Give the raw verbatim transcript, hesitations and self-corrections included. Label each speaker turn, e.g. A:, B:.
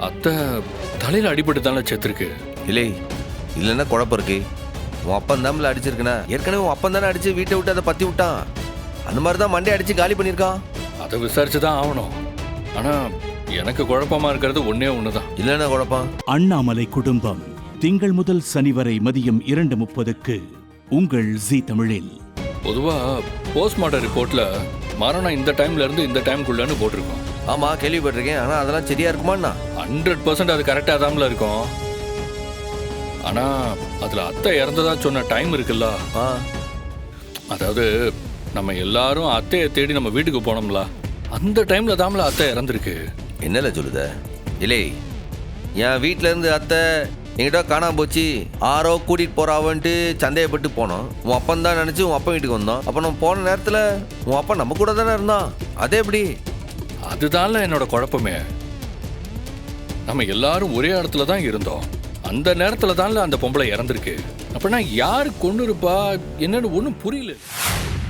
A: அத்தை தலையில அடிபட்டு தானே செத்துருக்கு.
B: இல்லை இல்லைன்னா குழப்பம் இருக்கு. உன் அப்பன் தான்ல அடிச்சிருக்கனா? ஏற்கனவே உன் அப்பன் தானே அடிச்சு வீட்டை விட்டு அதை பத்தி விட்டான். அந்த மாதிரி தான் மண்டே அடிச்சு காலி பண்ணியிருக்கான்.
A: அதை விசாரிச்சு தான் ஆகணும். ஆனா எனக்கு குழப்பமா இருக்கிறது ஒன்னே ஒண்ணுதான்.
B: இல்லைன்னா குழப்பம்.
C: அண்ணாமலை குடும்பம் திங்கள் முதல் சனி வரை மதியம் இரண்டு முப்பதுக்கு உங்கள் ஜீ தமிழில்.
A: பொதுவா போஸ்ட்மார்ட்டம் ரிப்போர்ட்ல மரணம் இந்த டைம்ல இருந்து இந்த டைம்குள்ளன்னு போட்டிருக்கோம்.
B: ஆமா கேள்விப்பட்டிருக்கேன். ஆனா அதெல்லாம் சரியா இருக்குமாண்ணா?
A: ஹண்ட்ரட் பர்சன்ட் அது கரெக்டா தான்ல இருக்கும். ஆனா அதுல அத்தை இறந்ததா சொன்ன டைம் இருக்குல்ல, அதாவது நம்ம எல்லாரும் அத்தையை தேடி நம்ம வீட்டுக்கு போனோம்ல, அந்த டைம்ல தான்ல அத்தை இறந்துருக்கு.
B: என்னல சொல்லுத? இல்லை என் வீட்டில இருந்து அத்தை என்கிட்ட காணாம போச்சு, ஆரோ கூட்டிட்டு போறாவன்ட்டு சந்தேகப்பட்டு போனோம். உன் அப்பன் தான் நினைச்சு உன் அப்பன் வீட்டுக்கு வந்தோம். அப்ப நம்ம போன நேரத்துல உன் அப்பா நம்ம கூட தானே இருந்தான். அதே எப்படி?
A: அதுதான்ல என்னோட குழப்பமே. நம்ம எல்லாரும் ஒரே இடத்துல தான் இருந்தோம். அந்த நேரத்துல தான்ல அந்த பொம்பளை இறந்துருக்கு. அப்படின்னா யாரு கொண்டு இருப்பா என்னன்னு ஒன்றும் புரியல.